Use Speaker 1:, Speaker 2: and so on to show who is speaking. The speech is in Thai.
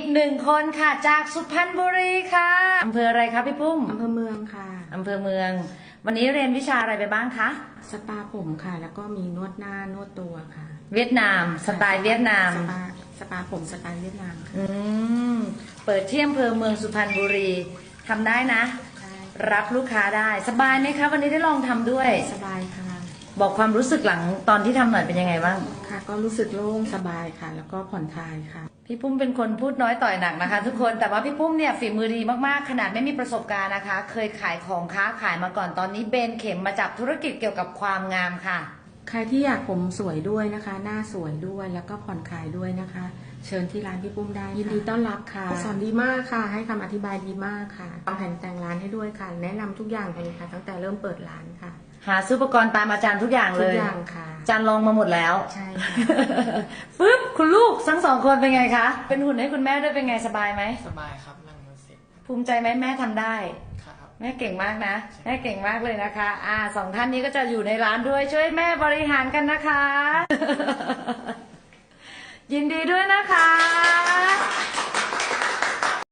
Speaker 1: หนึ่งคนค่ะจากสุพรรณบุรีค่ะอำเภออะไรคะพี่ปุ้ม
Speaker 2: อำเภอเมืองค่ะ
Speaker 1: อำเภอเมือง วันนี้เรียนวิชาอะไรไปบ้างคะ
Speaker 2: สปาผมค่ะ แล้วก็มีนวดหน้านวดตัวค่ะ
Speaker 1: เวียดนามสไตล์เวียดนาม
Speaker 2: สปาผมสไตล์เวียดนามค่ะ
Speaker 1: เปิดที่อำเภอเมืองสุพรรณบุรีทำได้นะรับลูกค้าได้สบายไหมคะวันนี้ได้ลองทำด้วย
Speaker 2: สบายค่ะ
Speaker 1: บอกความรู้สึกหลังตอนที่ทำหน่อยเป็นยังไงบ้าง
Speaker 2: ค่ะก็รู้สึกโล่งสบายค่ะ แล้วก็ผ่อนคลายค่ะ
Speaker 1: พี่ปุ้มเป็นคนพูดน้อยต่อยหนักนะคะ ทุกคนแต่ว่าพี่ปุ้มเนี่ยฝีมือดีมากๆขนาดไม่มีประสบการณ์นะคะ เคยขายของค้าขายมาก่อนตอนนี้เบนเข็มมาจับธุรกิจเกี่ยวกับความงามค่ะ
Speaker 2: ใครที่อยากผมสวยด้วยนะคะ หน้าสวยด้วยแล้วก็ผ่อนคลายด้วยนะคะ เชิญที่ร้านพี่ปุ้มได้ยินดีต้อนรับค่ะสอนดีมากค่ะให้คำอธิบายดีมากค่ะวางแผนแต่งร้านให้ด้วยค่ะแนะนำทุกอย่างเลยค่ะตั้งแต่เริ่มเปิดร้านค่ะ
Speaker 1: หาซื้ออุปกรณ์ตามอาจารย์ทุกอย่างเลย
Speaker 2: ทุกอย่างค่ะ
Speaker 1: อาจารย์ลองมาหมดแล้ว
Speaker 2: ใช่ค่ะ
Speaker 1: ฟึบคุณลูกทั้งสองคนเป็นไงคะเป็นหุ่นให้คุณแม่ด้วยเป็นไงสบายไหม
Speaker 3: สบายครับนั่งรถเสร็จ
Speaker 1: ภูมิใจไหมแม่ทำได้
Speaker 3: ครับ
Speaker 1: แม่เก่งมากนะแม่เก่งมากเลยนะคะสองท่านนี้ก็จะอยู่ในร้านด้วยช่วยแม่บริหารกันนะคะ ยินดีด้วยนะคะ